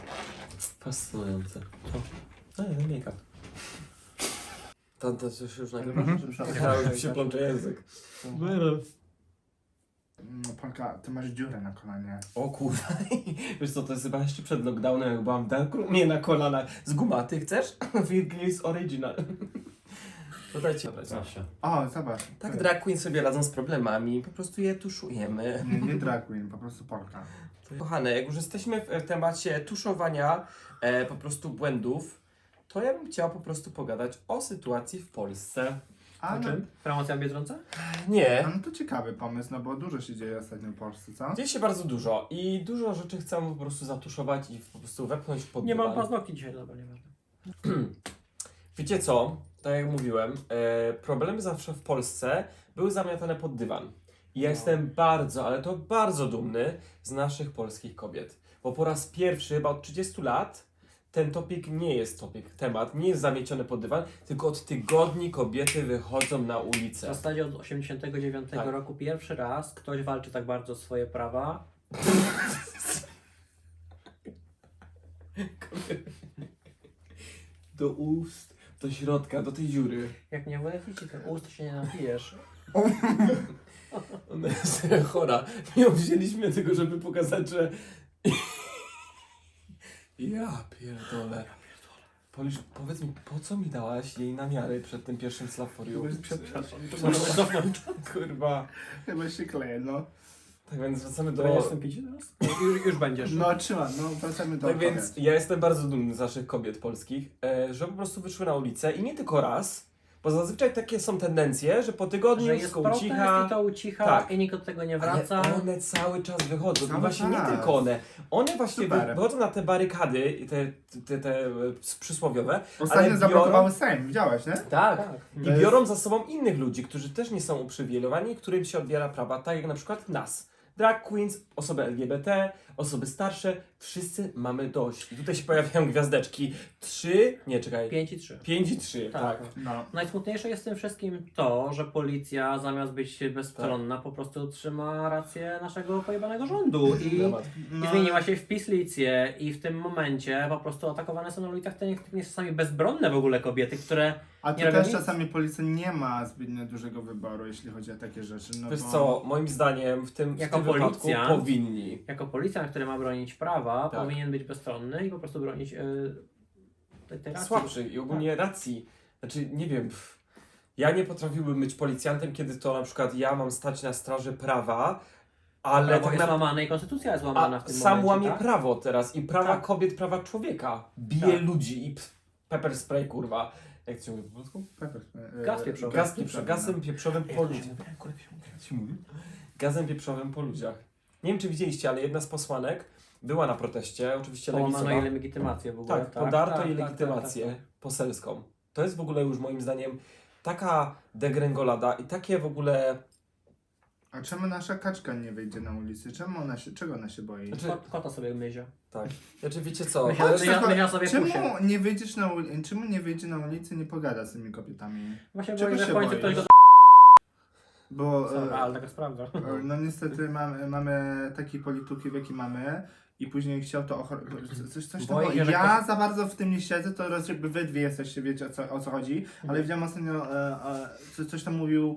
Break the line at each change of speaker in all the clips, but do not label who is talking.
Fascynujące. No nie, make-up. To już nagrywasz? Ja już się plącze język.
Polka, ty masz dziurę na kolanie.
O kurwa, wiesz co, to jest chyba jeszcze przed lockdownem, jak byłam w Darkrumie na kolanach. Z gumaty chcesz? Virgilis Original. To dajcie brać zawsze.
O, zobacz.
Tak drag queen sobie radzą z problemami, po prostu je tuszujemy.
Nie drag queen, po prostu Polka.
Kochane, jak już jesteśmy w temacie tuszowania po prostu błędów, to ja bym chciała po prostu pogadać o sytuacji w Polsce.
A,
O czym? Promocja w Biedronce?
Nie,
no to ciekawy pomysł, no bo dużo się dzieje ostatnio w Polsce, co?
dzieje się bardzo dużo i dużo rzeczy chcę po prostu zatuszować i po prostu wepchnąć pod
Nie mam
dywan.
paznokci dzisiaj, dobra, nieważne.
Wiecie co? Tak jak mówiłem, problemy zawsze w Polsce były zamiatane pod dywan. I ja jestem bardzo, ale to bardzo dumny z naszych polskich kobiet. Bo po raz pierwszy, chyba od 30 lat, ten temat nie jest zamieciony pod dywan, tylko od tygodni kobiety wychodzą na
W
ulicę.
zasadzie od 89
Tak.
roku pierwszy raz ktoś walczy tak bardzo o swoje prawa.
Do ust, do środka, do tej dziury.
Jak nie wleci ci ten ust, to się nie napijesz.
Ona jest chora. Nie wzięliśmy tego, żeby pokazać, że... Ja pierdolę. Polisz, powiedz mi, po co mi dałaś jej namiary przed tym pierwszym Slaforiu?
Przepraszam,
To możesz cofnąć.
Kurwa.
chyba się kleje, no.
Tak więc wracamy
To jest
do...
ten picie teraz? Już będziesz.
No trzymam, no wracamy do
Tak więc
opowiedz.
ja jestem bardzo dumny z naszych kobiet polskich, że po prostu wyszły na ulicę i nie tylko raz, bo zazwyczaj takie są tendencje, że po tygodniu
Że
wszystko
jest protest
ucicha.
i to ucicha
Tak.
i nikt od tego nie wraca.
Ale one cały czas wychodzą. I
Cały
właśnie nie
czas.
tylko one. One właśnie
Super.
wychodzą na te barykady, i te przysłowiowe.
Ostatnio
ale
zablokowały Sejm, widziałeś, nie?
Tak.
Tak.
I
To jest-
biorą za sobą innych ludzi, którzy też nie są uprzywilejowani i którym się odbiera prawa, tak jak na przykład nas. Drag queens, osoby LGBT, osoby starsze, wszyscy mamy dość. I tutaj się pojawiają gwiazdeczki.
5 i 3.
5 i 3, tak.
No.
Najsmutniejsze jest w tym wszystkim to, że policja zamiast być bezstronna po prostu trzyma rację naszego pojebanego rządu i
No.
zmieniła się w pislicję i w tym momencie po prostu atakowane są na ulicach te czasami bezbronne w ogóle kobiety, które
A
nie
tu
robią
też
nic.
czasami policja nie ma zbytnio dużego wyboru, jeśli chodzi o takie rzeczy. No
Wiesz
bo...
co, moim zdaniem w tym
Jako
wypadku
policjant-
powinni.
jako policjant, który ma bronić prawa,
Tak.
powinien być bezstronny i po prostu bronić tej racji.
Słabszy i ogólnie racji. Znaczy, nie wiem, ja nie potrafiłbym być policjantem, kiedy to na przykład ja mam stać na straży prawa, ale
Prawo
tak
jest
na...
łamane i konstytucja jest łamana w tym
sam
momencie,
łamie
tak?
prawo teraz i prawa
Tak.
kobiet, prawa człowieka. Bije
Tak.
ludzi i pepper spray, kurwa. Jak to się mówi po polsku?
Gaz pieprzowy.
Gazem pieprzowym po ludziach. Gazem pieprzowym po ludziach. Nie wiem, czy widzieliście, ale jedna z posłanek była na proteście, oczywiście
Połamano
lewicowa.
jej legitymację w ogóle.
Tak, podarto jej
tak,
legitymację
tak, tak.
poselską. To jest w ogóle już moim zdaniem taka degrengolada i takie w ogóle...
A czemu nasza kaczka nie wyjdzie na ulicę? Czego ona się boi?
Znaczy,
Kota sobie myzia.
tak. Znaczy wiecie co?
Myślałem,
to jest-
że mysia sobie
Czemu
pusie.
nie wyjdziesz na czemu nie wyjdzie na ulicę i nie pogada z tymi kobietami?
Właśnie
Czego
boi, że
się
w końcu
boisz?
ktoś go
Bo
ale taka sprawdza.
no niestety mamy taki polityków, jaki mamy i później chciał to coś tam.
Boję się, że
Ja za bardzo w tym nie siedzę, to raz jakby wy dwie jesteście, wiecie o co chodzi, ale widziałem ostatnio coś tam mówił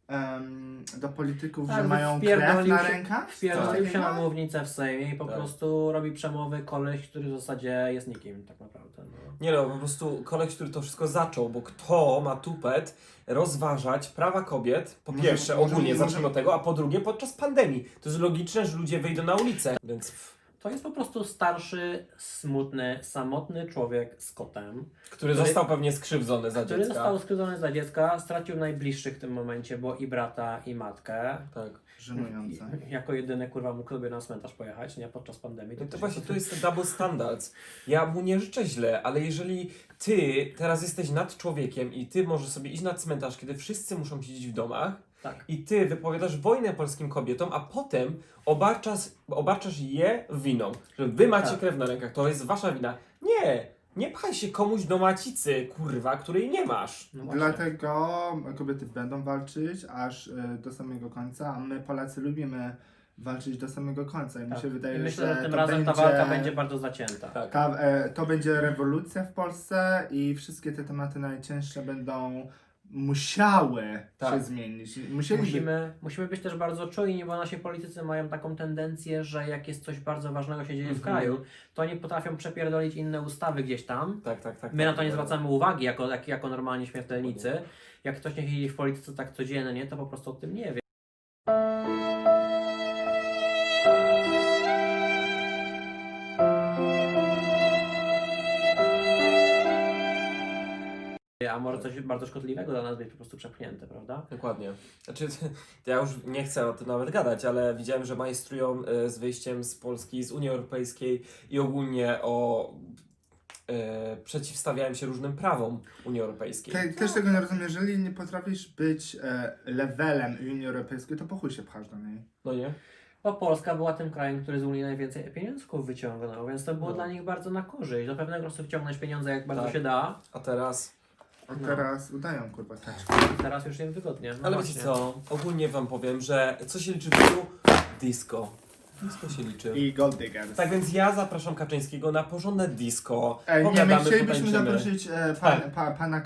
do polityków, że mają krew na rękach.
Wpierdolił
Coś
się na
takiego?
mównicę w Sejmie i po
Tak.
prostu robi przemowy koleś, który w zasadzie jest nikim tak naprawdę. No.
Nie no, po prostu koleś, który to wszystko zaczął, bo kto ma tupet rozważać prawa kobiet, po
Może-
pierwsze
może-
ogólnie
może-
zacznijmy od tego, a po drugie podczas pandemii. To jest logiczne, że ludzie wyjdą na ulicę, więc
To jest po prostu starszy, smutny, samotny człowiek z kotem,
który został pewnie skrzywdzony za
który
dziecka.
został skrzywdzony za dziecka, stracił najbliższych w tym momencie, bo i brata, i matkę.
Tak.
Żenujące.
Jako jedyny kurwa mógł sobie na cmentarz pojechać, nie podczas pandemii.
No to właśnie tu jest ten double standards. Ja mu nie życzę źle, ale jeżeli ty teraz jesteś nad człowiekiem i ty możesz sobie iść na cmentarz, kiedy wszyscy muszą siedzieć w domach
Tak.
i ty wypowiadasz wojnę polskim kobietom, a potem obarczasz je winą, że wy macie
Tak.
krew na rękach, to jest wasza wina. Nie! Nie pchaj się komuś do macicy, kurwa, której nie masz.
No właśnie.
Dlatego kobiety będą walczyć aż do samego końca, a my Polacy lubimy walczyć do samego końca. I mi
Tak.
się wydaje,
I myślę,
że
że tym
to
razem ta
będzie,
walka będzie bardzo zacięta.
Tak.
to będzie rewolucja w Polsce i wszystkie te tematy najcięższe będą musiały
Tak.
się zmienić.
Musimy być też bardzo czujni, bo nasi politycy mają taką tendencję, że jak jest coś bardzo ważnego się dzieje w kraju, to oni potrafią przepierdolić inne ustawy gdzieś tam.
Tak.
My na to nie zwracamy uwagi jako normalni śmiertelnicy. Jak ktoś nie siedzi w polityce tak codziennie, to po prostu o tym nie wie. A może coś bardzo szkodliwego dla nas być po prostu przepchnięte, prawda?
Dokładnie. Znaczy, ja już nie chcę o tym nawet gadać, ale widziałem, że majstrują z wyjściem z Polski, z Unii Europejskiej i ogólnie przeciwstawiałem się różnym prawom Unii Europejskiej.
Też tego nie rozumiem. Jeżeli nie potrafisz być levelem Unii Europejskiej, to po chuj się pchasz do niej.
No nie?
Bo Polska była tym krajem, który z Unii najwięcej pieniążków wyciągnął, więc to było
No.
dla nich bardzo na korzyść. Do pewnego czasu wciągnąć pieniądze jak bardzo
Tak.
się da,
A teraz...
A teraz udają kurwa taczki.
teraz już im wygodnie. No
Ale
właśnie.
wiecie co? Ogólnie wam powiem, że co się liczy w życiu? Disco. Disco się liczy.
I Gold Diggers.
Tak więc ja zapraszam Kaczyńskiego na porządne disco.
Nie, my
Pogadamy,
chcielibyśmy
potańczymy.
zaprosić pana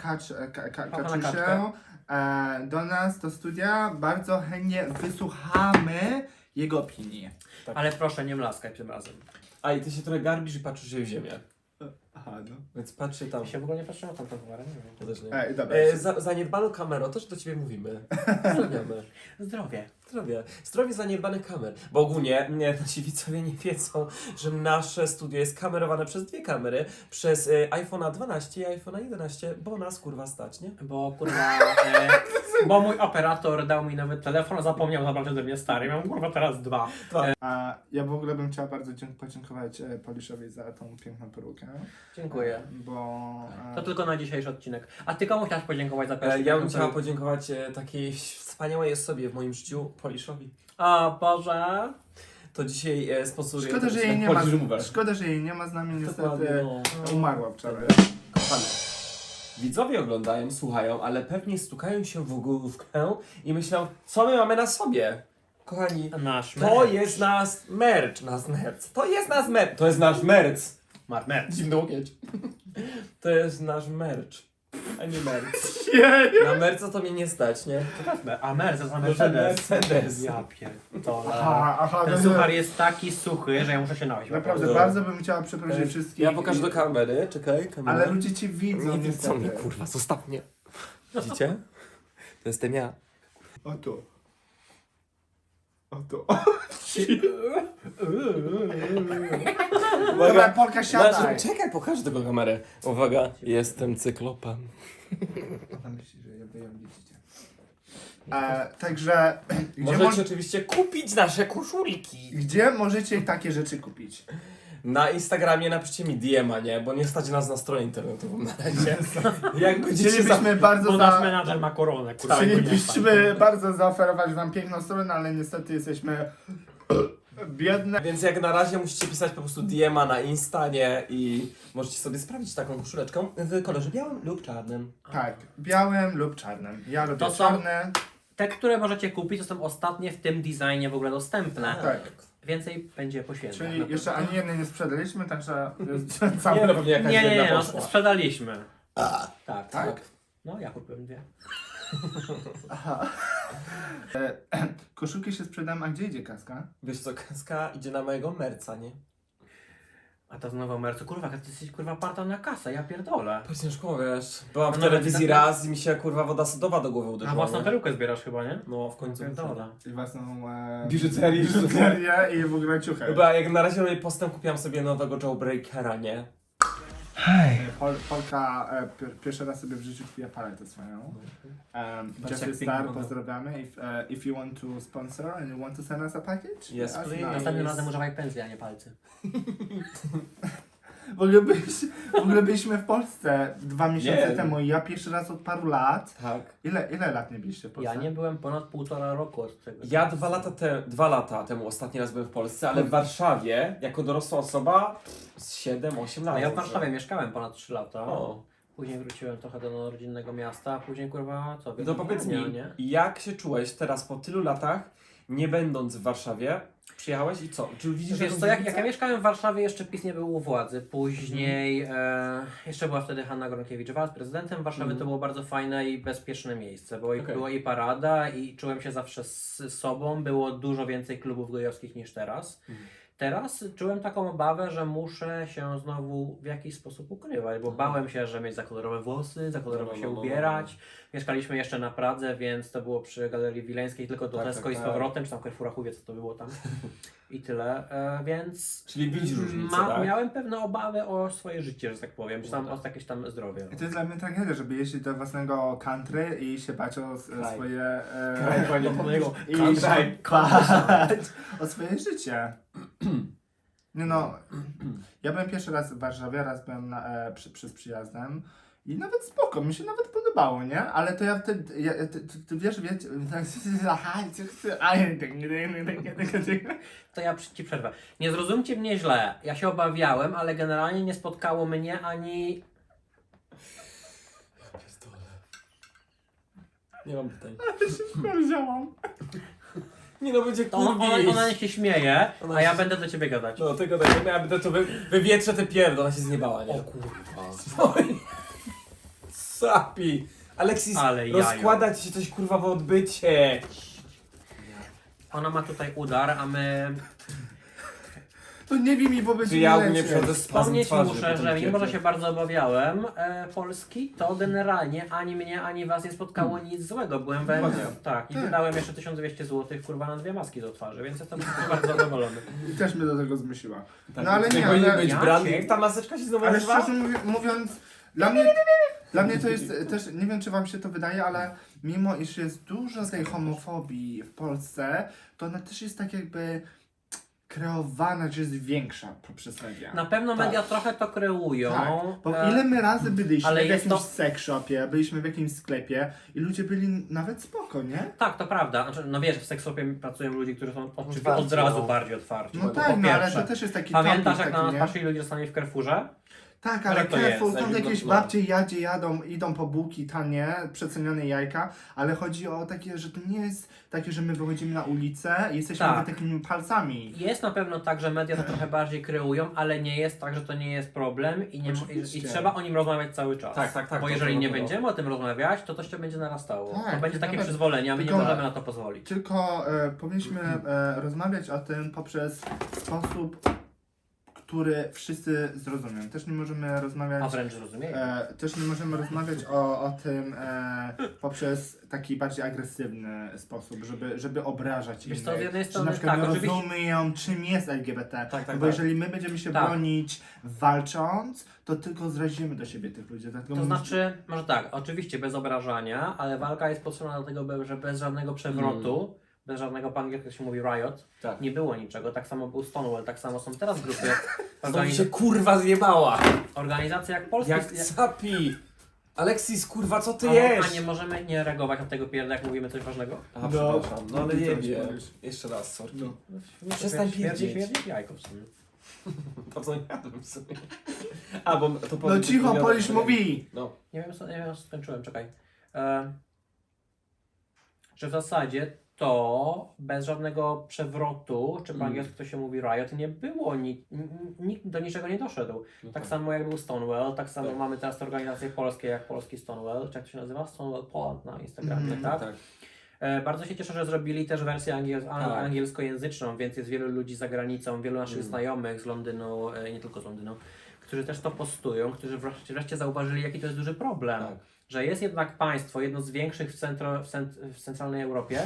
Kaczusię do nas, do studia. Bardzo chętnie wysłuchamy jego opinii.
Ale proszę, nie mlaskaj tym razem.
A i ty się trochę garbisz i patrzysz się w ziemię.
Aha, no.
Więc patrzcie tam.
Ja się w ogóle nie patrzyłem na tą towarę, nie wiem.
Ja też nie.
Dobra.
Zaniedbaną kamerą, też do ciebie mówimy. Pozdrawiamy.
Zdrowie.
Zdrowie. Zdrowie zaniedbanych kamer. Bo ogólnie nasi widzowie nie wiedzą, że nasze studio jest kamerowane przez dwie kamery. Przez iPhone'a 12 i iPhone'a 11, bo nas kurwa stać, nie?
Bo kurwa, bo mój operator dał mi nowy telefon, a zapomniał zabrać ode mnie stary. Mam kurwa teraz dwa.
A ja w ogóle bym chciała bardzo podziękować Poliszowi za tą piękną perukę.
Dziękuję.
Bo...
To tylko na dzisiejszy odcinek. A ty komu chciałeś podziękować za pierwszy
Ja bym
odcinek?
chciała podziękować takiej wspaniałej osobie w moim życiu, Poliszowi.
O Boże.
To dzisiaj sponsoruje
Szkoda, że jej nie
Polish
ma.
Remover.
Szkoda, że jej nie ma z nami
Dokładnie,
niestety.
no.
Umarła wczoraj.
Kochane, widzowie oglądają, słuchają, ale pewnie stukają się w główkę i myślą, co my mamy na sobie. Kochani,
Nasz
to jest nasz merch. To jest nasz merch. To jest nasz merch.
merch.
Dziwny łokieć. To jest nasz merch. A nie merch.
Jeju.
Na merca to mnie nie stać, nie?
A Mercedes, a
Mercedes.
Mercedes. Ja pierdolę.
Aha,
Ten
no,
suchar jest taki suchy, że ja muszę się napić.
Naprawdę,
No.
bardzo bym chciała przeprosić wszystkich.
Ja pokażę do kamery, czekaj, kamera.
Ale ludzie cię widzą.
Nie widzą mnie,
niestety.
kurwa, zostaw mnie. Widzicie? To jestem ja.
O tu. O tu. Dobra, Polka siadaj.
Czekaj, pokażę tego kamerę. Uwaga, jestem cyklopem.
Ona myśli, że ją widzicie. Także,
Możecie oczywiście kupić nasze koszulki.
gdzie możecie takie rzeczy kupić?
Na Instagramie napiszcie mi DM-a, nie? Bo nie stać nas na stronę internetową na razie. Jak będziecie
Chcielibyśmy bardzo
Bo nasz menadżer ma koronę, kurwa.
Chcielibyśmy bardzo zaoferować wam piękną stronę, ale niestety jesteśmy biedne.
Więc jak na razie musicie pisać po prostu DM-a na Insta, nie? I możecie sobie sprawdzić taką koszuleczkę w kolorze białym lub czarnym.
Tak, białym lub czarnym. Ja lubię
To są-
czarne.
Te, które możecie kupić, to są ostatnie w tym designie w ogóle dostępne.
Tak.
Więcej będzie po świętach.
Czyli jeszcze ani jednej nie sprzedaliśmy, także jest
Nie,
cały...
no pewnie jakaś
Nie,
jedna
no,
poszła.
sprzedaliśmy. Tak.
Tak.
No, ja kupiłem dwie.
Aha. Koszulki się sprzedam, a gdzie idzie kaska?
Wiesz co, kaska idzie na mojego merca, nie?
A to znowu mercu. Kurwa, ty jesteś kurwa parta na kasę, ja pierdolę.
Po ciężko, wiesz. Byłam w
No nawet
telewizji
tak-
raz i mi się kurwa woda sodowa do głowy
Na
uderzyła.
własną
nie?
perukę zbierasz chyba, nie?
No, w końcu.
Pierdolę.
I własną
Biżuterię.
biżuterię i w ogóle ciuchę.
Chyba jak na razie robię postęp, kupiłam sobie nowego Jawbreakera, nie?
Polka pierwszy raz sobie w życiu kupiła paletę swoją.
Patrz,
Jeffrey
jak
Star,
pięknie
pozdrawiamy. If you want to sponsor and you want to send us a package?
Yes,
let us
please.
know.
Następnym razem używaj pędzli, a nie palcy.
W ogóle byliśmy w Polsce 2 miesiące
Nie.
temu i ja pierwszy raz od paru lat.
Tak.
Ile lat nie byliście w Polsce?
Ja nie byłem ponad 1,5 roku od tego.
Ja 2 lata temu ostatni raz byłem w Polsce, ale w Warszawie, jako dorosła osoba, z 7-8 lat.
A ja w Warszawie mieszkałem ponad 3 lata.
O.
Później wróciłem trochę do rodzinnego miasta, a później kurwa co?
To powiedz mi,
nie?
jak się czułeś teraz po tylu latach nie będąc w Warszawie, przyjechałeś i co? Czy widzisz
Wiesz
jakąś
co, jak
różnicę?
ja mieszkałem w Warszawie, jeszcze PiS nie był u władzy. Później jeszcze była wtedy Hanna Gronkiewicz-Waltz prezydentem Warszawy. To było bardzo fajne i bezpieczne miejsce, bo
Okej.
była i parada i czułem się zawsze z sobą. Było dużo więcej klubów gejowskich niż teraz. Teraz czułem taką obawę, że muszę się znowu w jakiś sposób ukrywać, bo bałem się, że mieć za kolorowe włosy, za kolorowo się ubierać. Mieszkaliśmy jeszcze na Pradze, więc to było przy Galerii Wileńskiej, tylko do
Tak,
Tesco
tak,
i z
tak.
powrotem, czy tam Carrefoura, chuj wie co to było tam. I tyle, więc
Czyli widzisz różnicę, tak?
miałem pewne obawy o swoje życie, że tak powiem, czy tam
No tak.
o jakieś tam zdrowie.
I to jest dla mnie tragedia, żeby jeździć do własnego country i się bać o
Kraj.
swoje...
Kraj, panie mojego.
I
Country.
się bać o swoje życie. Nie no, ja byłem pierwszy raz w Warszawie, raz byłem przez przyjazdem i nawet spoko, mi się nawet podobało, nie? Ale to ja wtedy, ty wiesz,
To ja ci przerwę. Nie zrozumcie mnie źle, ja się obawiałem, ale generalnie nie spotkało mnie ani...
Nie mam pytań.
powiedziałam.
Nie no, będzie
To ona niech się śmieje,
Ona
a ja
się-
będę do ciebie gadać.
No tego tak, ja będę to wywietrzę te pierdol, ona się zniebała, nie?
O kurwa.
Oj. Sapi! Aleksis,
Ale jajo.
rozkłada ci się coś kurwa w odbycie.
Ona ma tutaj udar, a my...
To nie wiem mi, bo będzie
Czy ja
mi
nie
lepiej.
przychodzę z spazm
Wspomnieć
twarzy
muszę,
po tym
że mimo, że
pierdol.
się bardzo obawiałem Polski, to generalnie ani mnie, ani was nie spotkało nic złego. Byłem we...
Ładnie.
Tak, i
Tak.
wydałem jeszcze 1200 zł kurwa na 2 maski do twarzy, więc jestem bardzo zadowolony.
I też mnie do tego zmusiła.
Tak,
No ale
tutaj
nie,
powinien
ale-
być
Ja
branding.
cię-
Ta maseczka się znowu
Ale
nazywa?
szczerze mówiąc, dla mnie to jest też, nie wiem czy wam się to wydaje, ale mimo iż jest dużo tej homofobii w Polsce, to ona też jest tak jakby kreowana, że jest większa poprzez media.
Na pewno
Tak.
media trochę to kreują.
Tak, bo
e,
ile my razy byliśmy
ale
w
jest
jakimś
to-
sex shopie, byliśmy w jakimś sklepie i ludzie byli nawet spoko, nie?
Tak, to prawda. Znaczy, no wiesz, w seksopie pracują ludzie, którzy są oczywiście
Otwarci,
od razu
no.
bardziej otwarci.
No
bo
tak,
po
no ale
pierwsze,
to też jest taki
pamiętasz
topic
jak na
taki,
nas
nie?
patrzyli ludzie czasami w Carrefourze?
Tak, ale
Jak to
careful,
jest?
tam
Tak,
jakieś
no.
babcie idą po bułki tanie, przecenione jajka, ale chodzi o takie, że to nie jest takie, że my wychodzimy na ulicę i jesteśmy
Tak.
takimi palcami.
Jest na pewno tak, że media to trochę bardziej kreują, ale nie jest tak, że to nie jest problem i, nie,
Oczywiście.
i trzeba o nim rozmawiać cały czas.
Tak, tak, tak,
Bo
to
jeżeli nie
było.
będziemy o tym rozmawiać, to się będzie narastało.
Tak,
to będzie takie
nawet-
przyzwolenie, a my nie
tylko-
możemy na to pozwolić.
Tylko powinniśmy rozmawiać o tym poprzez sposób, który wszyscy zrozumią. Też nie możemy rozmawiać...
A wręcz rozumieją.
Też nie możemy rozmawiać o tym poprzez taki bardziej agresywny sposób, żeby obrażać
Wiesz
innych.
co, z jednej
Że
strony
na przykład
tak,
nie
oczywiście-
rozumieją, czym jest LGBT.
Tak, tak,
bo
tak.
jeżeli my będziemy się
Tak.
bronić walcząc, to tylko zrazimy do siebie tych ludzi. Dlatego
To znaczy, może tak, oczywiście bez obrażania, ale walka jest potrzebna dlatego, że bez żadnego przewrotu, bez żadnego po angielsku się mówi riot,
Tak.
nie było niczego. Tak samo był Stonewall, tak samo są teraz grupy.
Znowu się kurwa zjebała.
Organizacje jak Polski.
Jak sapi. Aleksis, kurwa, co ty
A
jesz?
nie możemy nie reagować na tego pierda, jak mówimy coś ważnego?
A, przepraszam, no ale
Ty
nie
coś
wiem.
powiesz.
Jeszcze raz, sorki.
No.
Przestań
Śmierdzi
pierdzieć.
jajko w sumie.
To co nie jadłem sobie. A, bo to
No cicho, Polisz mówi!
No.
Nie wiem, co skończyłem, czekaj. Że w zasadzie to bez żadnego przewrotu, czy po angielsku to się mówi riot, nie było, nikt do niczego nie doszedł.
No
Tak samo jak był Stonewall, tak samo
Tak.
mamy teraz te organizacje polskie jak Polski Stonewall, czy jak to się nazywa? Stonewall Poland na Instagramie,
Mhm,
tak?
Tak.
Bardzo się cieszę, że zrobili też wersję angielskojęzyczną, więc jest wielu ludzi za granicą, wielu naszych znajomych z Londynu, i nie tylko z Londynu, którzy też to postują, którzy wreszcie zauważyli, jaki to jest duży problem.
Tak.
Że jest jednak państwo, jedno z większych w centralnej Europie,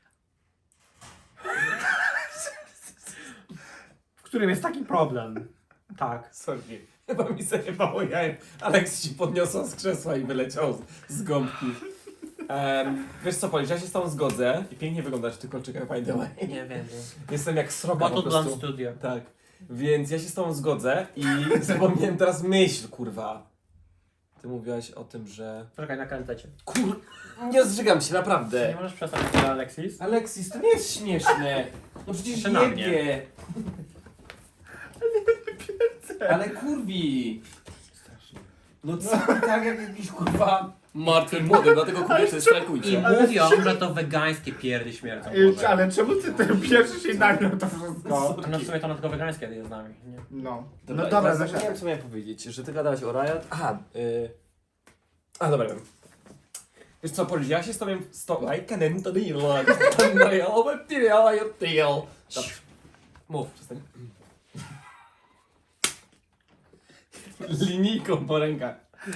w którym jest taki problem. Tak.
Sorki. Chyba mi zajebało jajem. Aleks się podniosła z krzesła i wyleciał z gąbki. Wiesz co, Polisz, ja się z tą zgodzę. I pięknie wyglądasz w tych kolczykach, by the way.
Nie wiem.
Jestem jak sroka po
Bottle Blonde
prostu.
Studio.
Tak. Więc ja się z tą zgodzę i zapomniałem teraz myśl, kurwa. Ty mówiłaś o tym, że...
Poczekaj, na kalendecie.
Nie zżygam się,
Nie
naprawdę.
możesz przestać tyle, Alexis?
Aleksis, to nie jest śmieszne. No przecież
Jeszcze na mnie.
jebie. Ale kurwi. No co, tak jak jakiś kurwa martwym młodym, dlatego kobiety
I
strajkujcie.
mówią, że to wegańskie pierdy śmierdzą.
Ale czemu ty ten pierwszy się nagrał to wszystko?
No w sumie to na tylko wegańskie jest z nami. Nie?
No.
Dobra,
No dobra,
teraz nie wiem co miałem powiedzieć, że ty gadałeś o Riot. Aha, dobra wiem. Wiesz co, Polisz, ja się z tobą... Mów, przestań. Linijką po rękach.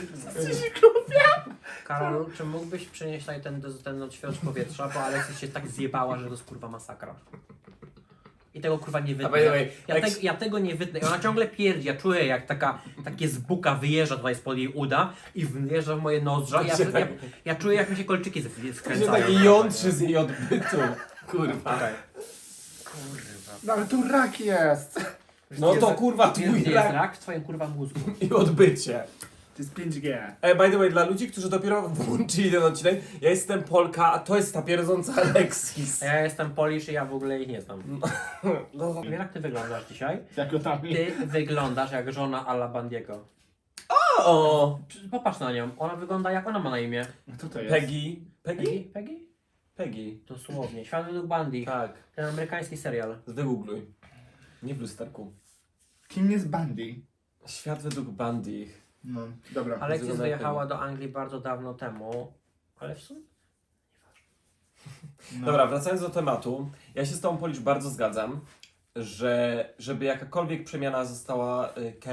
Karol, czy mógłbyś przynieść tutaj ten odświeżacz powietrza, bo Aleksis się tak zjebała, że to jest kurwa masakra. I tego kurwa nie wytnę.
by the way,
Ja tego nie wytnę. I ona ciągle pierdzi. Ja czuję jak takie z buka wyjeżdża tutaj spod jej uda i wjeżdża w moje nozdrza. Ja czuję jak mi się kolczyki
To się
skręcają.
taki jątrzy z jej odbytu. Kurwa.
Okej.
No ale tu rak jest.
No to kurwa
Jest,
twój
jest
rak
rak w twoim kurwa mózgu.
i odbycie.
To jest 5G.
By the way, dla ludzi, którzy dopiero włączyli ten odcinek, ja jestem Polka, a to jest ta pierdząca Aleksis.
Ja jestem Polish i ja w ogóle ich nie znam.
No.
Wiem jak ty wyglądasz dzisiaj.
Jako tam.
Ty wyglądasz jak żona Alla Bandiego.
O!
Popatrz na nią. Ona wygląda jak ona ma na imię.
Kto to jest?
Peggy. Peggy?
Peggy?
Peggy.
Dosłownie. Świat według Bundy.
Tak.
Ten amerykański serial.
Wygoogluj. Nie w lusterku.
Kim jest Bundy?
Świat według Bundy.
No, dobra.
Aleksis
Wygląda
wyjechała
jak
do Anglii bardzo dawno temu. Ale w sumie?
No.
Dobra, wracając do tematu. Ja się z tobą, Polisz, bardzo zgadzam, że żeby jakakolwiek przemiana została...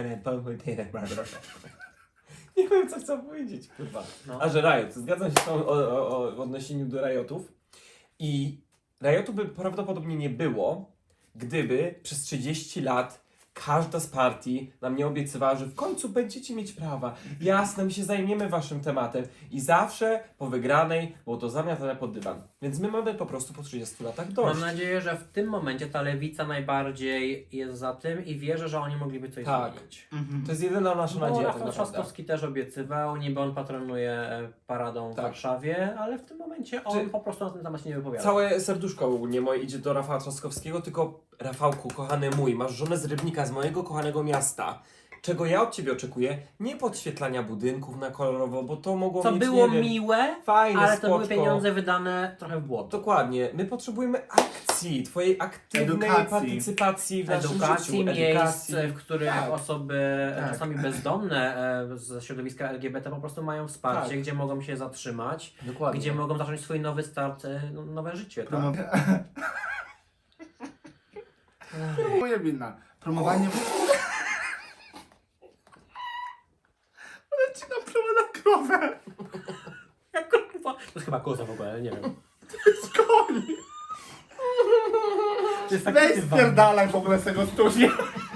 Nie wiem, co chcę powiedzieć, kurwa.
No.
A że Riot. Zgadzam się z tobą w odniesieniu do Riotów. I Riotu by prawdopodobnie nie było, gdyby przez 30 lat każda z partii nam nie obiecywała, że w końcu będziecie mieć prawa. Jasne, my się zajmiemy waszym tematem. I zawsze po wygranej było to zamiatane pod dywan. Więc my mamy po prostu po 30 latach dość.
Mam nadzieję, że w tym momencie ta lewica najbardziej jest za tym i wierzę, że oni mogliby coś
Tak.
zmienić.
Mhm.
To jest jedyna nasza
Bo
nadzieja. tak
Rafał
naprawdę.
Trzaskowski też obiecywał, niby on patronuje paradą w
Tak.
Warszawie, ale w tym momencie on
Czy-
po prostu na ten temat się nie wypowiada.
Całe serduszko ogólnie moje idzie do Rafała Trzaskowskiego, tylko Rafałku, kochany mój, masz żonę z Rybnika, z mojego kochanego miasta. Czego ja od ciebie oczekuję? Nie podświetlania budynków na kolorowo, bo to mogło
Co
mieć,
było
nie wiem,
miłe,
fajne,
ale to były
spoczko.
pieniądze wydane trochę w błoto.
Dokładnie. My potrzebujemy akcji, twojej aktywnej
Edukacji.
partycypacji w naszym
Edukacji,
życiu.
miejsc, w których
Tak.
osoby
Tak.
czasami bezdomne ze środowiska LGBT po prostu mają wsparcie,
Tak.
gdzie mogą się zatrzymać,
Dokładnie.
gdzie mogą zacząć swój nowy start, nowe życie. Tak?
Moja wina. Promowanie... Ale ci naprowadza krowę.
Jak kurwa. To jest chyba koza w ogóle, nie wiem.
Skoni.
To jest
Weź spierdalaj w ogóle z tego studia.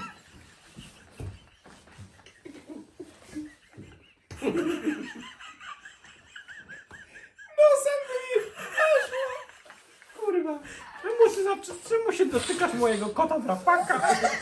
Kurwa. Czemu się dotykasz mojego kota drapaka?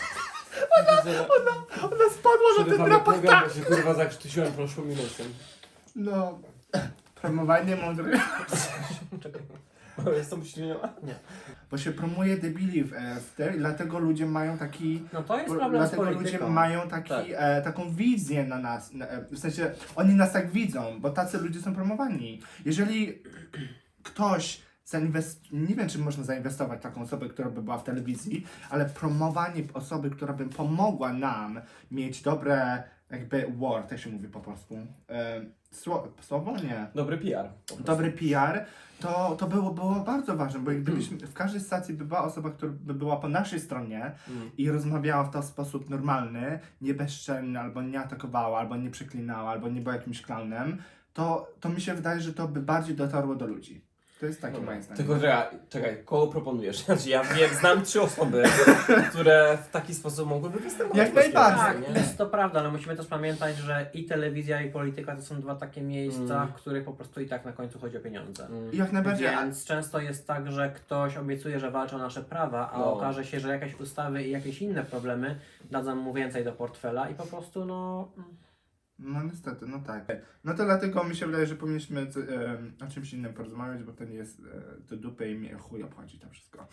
Ona spadła na ten drapak tak.
się kurwa zakrztusiłem proszłym minusem.
No. Promowanie mądrych.
Jest to myślenia?
Nie.
Bo się promuje debili w tej, dlatego ludzie mają taki...
No to jest problem z
Dlatego ludzie
polityką.
mają taki,
Tak.
taką wizję na nas, w sensie oni nas tak widzą, bo tacy ludzie są promowani. Jeżeli ktoś nie wiem czy można zainwestować w taką osobę, która by była w telewizji, ale promowanie osoby, która by pomogła nam mieć dobre jakby word, jak się mówi po polsku, słowo? Nie.
Dobry PR. po prostu.
Dobry PR, to było bardzo ważne, bo gdybyśmy w każdej stacji by była osoba, która by była po naszej stronie
Mm.
i rozmawiała w to w sposób normalny, nie bezczelny, albo nie atakowała, albo nie przeklinała, albo nie była jakimś klaunem, to mi się wydaje, że to by bardziej dotarło do ludzi. To jest takie moje zdanie.
Tylko, że czekaj, kogo proponujesz? Znaczy ja znam 3 osoby, które w taki sposób mogłyby występować.
Jak
w polskiej
najbardziej.
telewizji,
Tak,
nie?
jest to prawda, ale musimy też pamiętać, że i telewizja, i polityka to są dwa takie miejsca, w których po prostu i tak na końcu chodzi o pieniądze.
I jak najbardziej,
Więc często jest tak, że ktoś obiecuje, że walczy o nasze prawa, a
No.
okaże się, że jakieś ustawy i jakieś inne problemy dadzą mu więcej do portfela i po prostu
no niestety, no tak. No to dlatego mi się wydaje, że powinniśmy o czymś innym porozmawiać, bo to nie jest do dupy i mnie chuj obchodzi to wszystko.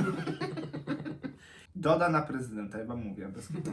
Doda na prezydenta, ja wam mówię, bez kitu.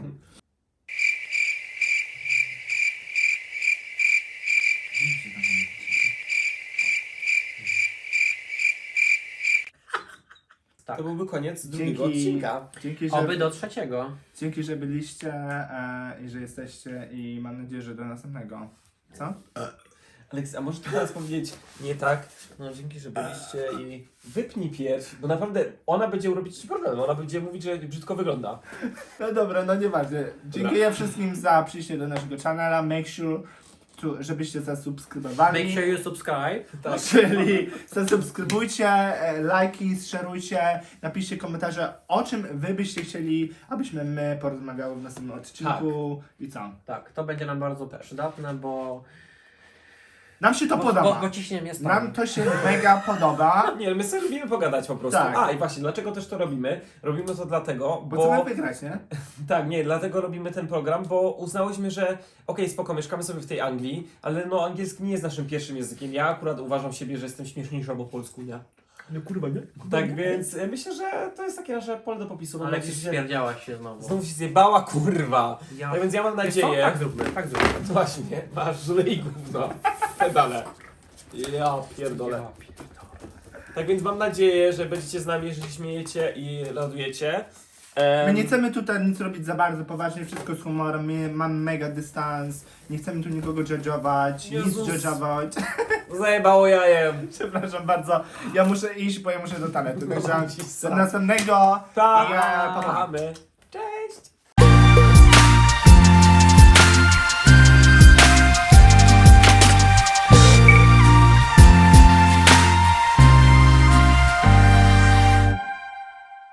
Tak.
to byłby koniec drugiego
Dzięki,
odcinka.
dzięki,
Oby
że,
do trzeciego.
dzięki, że byliście i że jesteście i mam nadzieję, że do następnego. Co?
Aleks, a możesz teraz powiedzieć nie tak? No dzięki, że byliście i wypnij pierś, bo naprawdę ona będzie robić ci problem, ona będzie mówić, że brzydko wygląda.
No dobra, no nieważne. Dziękuję wszystkim za przyjście do naszego kanału. Make sure, żebyście zasubskrybowali.
Make sure you subscribe.
Tak.
Czyli zasubskrybujcie, lajki, szerujcie, napiszcie komentarze, o czym wy byście chcieli, abyśmy my porozmawiały w następnym odcinku i co.
Tak, to będzie nam bardzo przydatne, bo...
Nam się to podoba.
Bo ciśniemy jest
Nam to się mega podoba,
Nie, my sobie lubimy pogadać po prostu.
Tak.
A i właśnie, dlaczego też to robimy? Robimy to dlatego,
bo chcemy wygrać, nie?
Tak, nie, dlatego robimy ten program, bo uznałyśmy, że okej, spoko, mieszkamy sobie w tej Anglii, ale no angielski nie jest naszym pierwszym językiem. Ja akurat uważam siebie, że jestem śmieszniejszy albo polsku, nie?
No kurwa, nie?
Tak więc myślę, że to jest takie nasze pole do popisu. Mam
Ale
nadzieję, że
stwierdziałaś się znowu.
znowu się zjebała, kurwa.
Ja...
Tak więc ja mam
Wiesz co?
nadzieję...
Tak zróbmy, tak zróbmy.
Właśnie, masz żule i gówno. Pedale. Ja pierdolę.
Ja pierdolę.
Tak więc mam nadzieję, że będziecie z nami, że się śmiejecie i radujecie.
My nie chcemy tutaj nic robić za bardzo poważnie, wszystko z humorem, my mamy mega dystans, nie chcemy tu nikogo judge'ować, nic
Jezus.
judge'ować.
Zajebało jajem.
Przepraszam bardzo, ja muszę iść, bo ja muszę do toalety, także
No, ci
do
sam.
następnego.
Pa,
I, pa, pa.
my.